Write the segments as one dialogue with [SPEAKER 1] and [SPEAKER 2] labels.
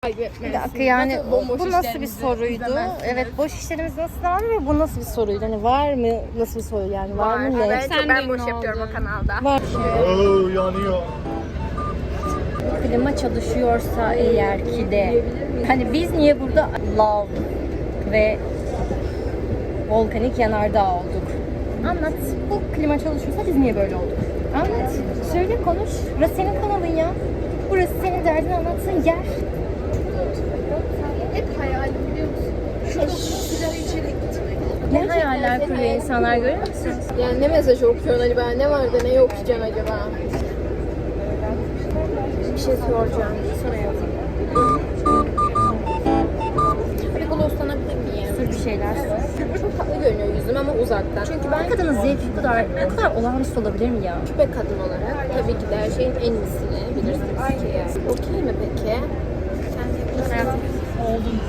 [SPEAKER 1] Bir dakika yani bu nasıl bir soruydu? Evet, boş işlerimiz nasıl abi ve bu nasıl bir soruydu? Hani var mı, nasıl bir soru yani var mı ne?
[SPEAKER 2] Ben boş yapıyorum o kanalda.
[SPEAKER 1] Var.
[SPEAKER 3] Oo, yanıyor.
[SPEAKER 1] Klima çalışıyorsa eğer ki de hani biz niye burada lav ve volkanik yanardağ olduk? Anlat. Bu klima çalışıyorsa biz niye böyle olduk? Anlat. Söyle, konuş. Burası senin kanalın ya. Burası senin derdini anlatsın, yer.
[SPEAKER 2] Hep hayalim biliyor musun? Şurada sigara içerek gitmek.
[SPEAKER 1] Ne hayaller kuruyor insanlar, görüyor musun?
[SPEAKER 2] Yani ne mesaj okuyorsun acaba? Ne var da ne okuyacaksın acaba? Bir şey soracağım. Sorayım. Bir glosslanabilir miyim?
[SPEAKER 1] Sür bir şeyler sür.
[SPEAKER 2] Çok tatlı görünüyor yüzüm ama uzaktan. Çünkü ben
[SPEAKER 1] Kadının zevki bu kadar olağanüstü olabilir mi ya?
[SPEAKER 2] küpe kadın olarak tabii ki de her şeyin en iyisini bilirsiniz ki. Okey mi peki?
[SPEAKER 1] Hayatım oldun.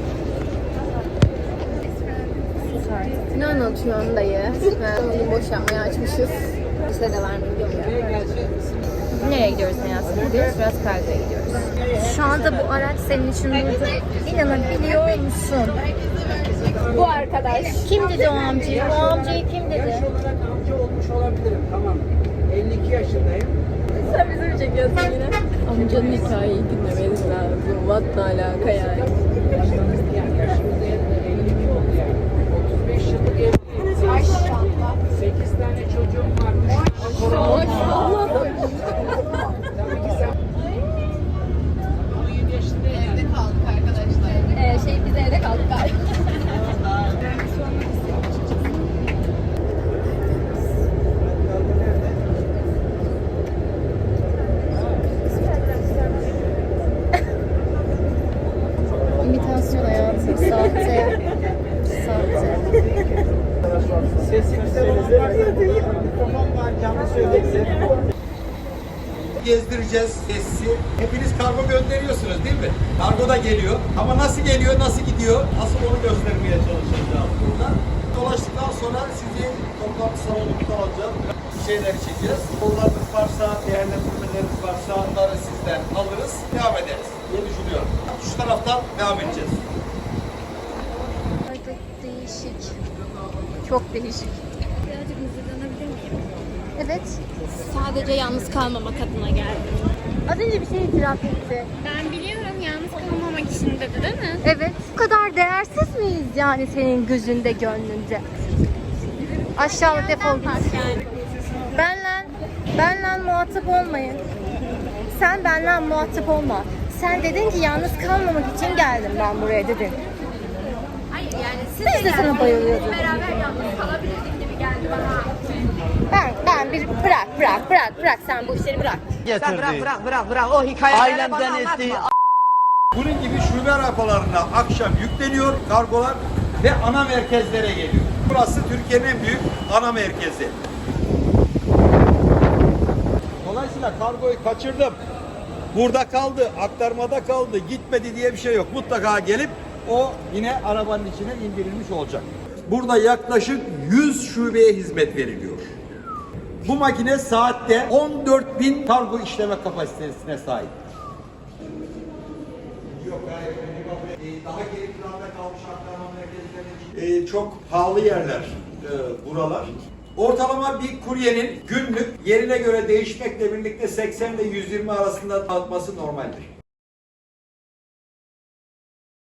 [SPEAKER 1] Sus artık.
[SPEAKER 2] Ne anlatıyorsun dayı? Onu boş yapmaya açmışız. Bize de var mı bilmiyorum.
[SPEAKER 1] Nereye gidiyoruz hayatım? Gidiyoruz, biraz Karga'ya gidiyoruz. Şu anda bu araç senin için durdu. İnanabiliyor musun?
[SPEAKER 2] Bu arkadaş.
[SPEAKER 1] Kim dedi o amcayı? O amcayı kim dedi?
[SPEAKER 4] Yaş olarak amca olmuş olabilirim, tamam. 52 yaşındayım.
[SPEAKER 2] Sen bizi mi çekiyorsun yine? Amcanın hikayeyi dinlemeniz lazım. What ne alaka yani?
[SPEAKER 4] Yaşımız 52 oldu yani. 35 yıllık evliyiz. Maşallah. 8 tane çocuğum var.
[SPEAKER 2] Maşallah.
[SPEAKER 4] Tabii ki sen 17 yaşındayım.
[SPEAKER 2] Evde kaldık arkadaşlar. Biz evde kaldık galiba.
[SPEAKER 1] İmitasyon hayatım, sahte. Sahte.
[SPEAKER 4] Sesi güzel olan varsa mikrofon var, canlı söylesin.
[SPEAKER 3] Gezdireceğiz tesisi. Hepiniz kargo gönderiyorsunuz değil mi? Kargo da geliyor. Ama nasıl geliyor, nasıl gidiyor? Asıl onu göstermeye çalışacağız burada. Dolaştıktan sonra sizi toplantı salonunda alacağız. Bir şeyler çekeceğiz. Sorularınız varsa, değerlendirmeleriniz varsa onları sizden alırız. Devam ederiz diye düşünüyorum. Şu taraftan devam edeceğiz.
[SPEAKER 2] Değişik. Çok değişik. Birazcık mızırdanabilir miyim?
[SPEAKER 1] Evet.
[SPEAKER 2] Sadece yalnız kalmamak adına geldim.
[SPEAKER 1] Az önce bir şey itiraf etti.
[SPEAKER 2] Ben biliyorum yalnız kalmamak için dedi değil mi?
[SPEAKER 1] Evet. Bu kadar değersiz miyiz yani senin gözünde, gönlünde? Aşağılık defol git.
[SPEAKER 2] Yani.
[SPEAKER 1] Benle muhatap olmayın. Sen benle muhatap olma. Sen dedin ki yalnız kalmamak için geldim ben buraya dedin.
[SPEAKER 2] Hayır yani siz
[SPEAKER 1] Biz de sana bayılıyorduk.
[SPEAKER 2] beraber yalnız kalabilirdik gibi geldi bana.
[SPEAKER 1] Ben bir bırak sen bu işleri bırak.
[SPEAKER 5] Getirdi.
[SPEAKER 4] Bırak. O hikayeleri
[SPEAKER 5] Ailemden ettiği
[SPEAKER 3] Bunun gibi şube rampalarına akşam yükleniyor kargolar ve ana merkezlere geliyor. Burası Türkiye'nin en büyük ana merkezi. Dolayısıyla kargoyu kaçırdım. Burada kaldı, aktarmada kaldı, gitmedi diye bir şey yok. Mutlaka gelip o yine arabanın içine indirilmiş olacak. Burada yaklaşık 100 şubeye hizmet veriliyor. Bu makine saatte 14.000 kargo işleme kapasitesine sahip. Yok hayır. Daha geri planda kalmış aktarma merkezlerinin çok pahalı yerler buralar. Ortalama bir kuryenin günlük yerine göre değişmekle birlikte 80 ile 120 arasında dağıtması normaldir.